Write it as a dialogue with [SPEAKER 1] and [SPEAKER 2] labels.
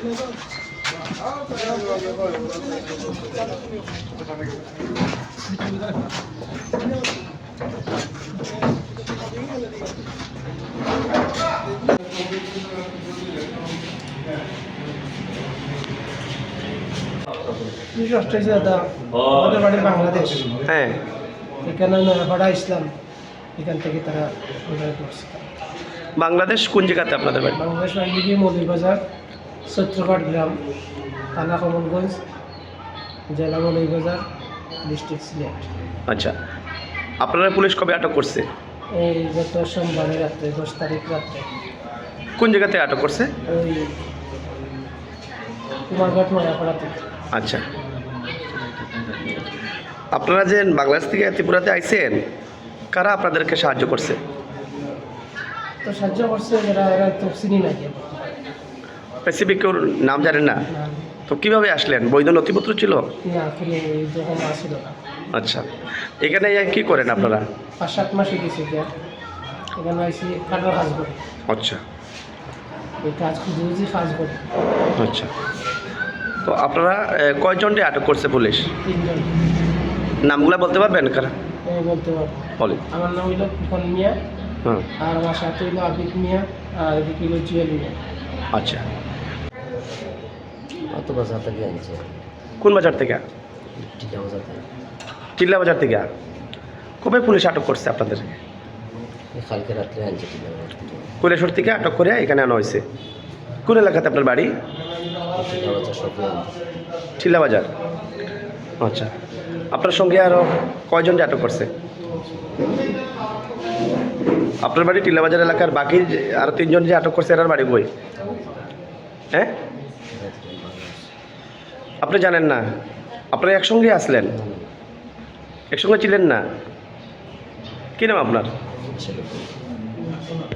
[SPEAKER 1] আমাদের বাড়ি বাংলাদেশ।
[SPEAKER 2] হ্যাঁ,
[SPEAKER 1] এখানে নয়াপাড়া ইসলাম, এখান থেকে তারা করছে।
[SPEAKER 2] বাংলাদেশ কোন জায়গাতে আপনাদের বাড়ি?
[SPEAKER 1] বাংলাদেশ আইলিগি মৌলভীবাজার, সত্যঘাট গ্রাম, থানা কমলগঞ্জ, জেলা মৌলভীবাজার, ডিস্ট্রিক্ট সিলেট।
[SPEAKER 2] আচ্ছা, আপনারা পুলিশ কবে আটক করছে?
[SPEAKER 1] এই গত সোমবারে রাত্রে 10 তারিখ রাত্রে
[SPEAKER 2] কোন জায়গাতে আটক করছে?
[SPEAKER 1] ওই কুমারঘাট নয়াপাড়া থেকে।
[SPEAKER 2] আচ্ছা, আপনারা যে বাংলাদেশ থেকে ত্রিপুরাতে আইছেন, কারা আপনাদেরকে সাহায্য করছে?
[SPEAKER 1] তো সাহায্য করছে যারা, এরা তো চিনি না গিয়ে
[SPEAKER 2] স্পেসিফিক কেউ নাম জানেন না? তো কিভাবে আসলেন? বৈধ নথিপত্র ছিল?
[SPEAKER 1] না, কোনো যখন আসছিল না।
[SPEAKER 2] আচ্ছা, এখানে কি করেন আপনারা?
[SPEAKER 1] 5-7 মাস হয়ে গেছে গিয়া, এখানে আইসি কাটার কাজ করে।
[SPEAKER 2] আচ্ছা
[SPEAKER 1] এই কাজ খুঁজে কাজ করে।
[SPEAKER 2] আচ্ছা, তো আপনারা কয়জনকে আটক করছে পুলিশ?
[SPEAKER 1] 3 জন।
[SPEAKER 2] নামগুলো বলতে পারবেন কারা?
[SPEAKER 1] আমি বলতে পারবো।
[SPEAKER 2] বলেন।
[SPEAKER 1] আমার নাম হইল ফুকন মিয়া,
[SPEAKER 2] হ্যাঁ,
[SPEAKER 1] আর আমার সাথে হইল আবিদ মিয়া, আর এদিকে হইল জুয়েল মিয়া।
[SPEAKER 2] আচ্ছা,
[SPEAKER 3] অত বাজার থেকে আনছে,
[SPEAKER 2] কোন বাজার থেকে?
[SPEAKER 3] টিকা বাজার থেকে।
[SPEAKER 2] টিল্লা বাজার থেকে। কবে পুলিশ আটক করছে আপনাদের?
[SPEAKER 3] কালকে রাত্রে আনছে টিকা বাজার থেকে।
[SPEAKER 2] কৈলাসহর থেকে আটক করে এখানে আনা হয়েছে। কোন এলাকাতে আপনার বাড়ি?
[SPEAKER 3] টিকা বাজার সবই আনছে।
[SPEAKER 2] টিল্লা বাজার। আচ্ছা, আপনার সঙ্গে আরও কয়জনকে আটক করছে? আপনার বাড়ি টিল্লা বাজার এলাকার বাকি আরও 3 জন যে আটক করছে এরার বাড়ি বই? হ্যাঁ, আপনি জানেন না? আপনারা একসঙ্গে আসলেন, একসঙ্গে ছিলেন না? কী নাম আপনার?
[SPEAKER 3] ছেলে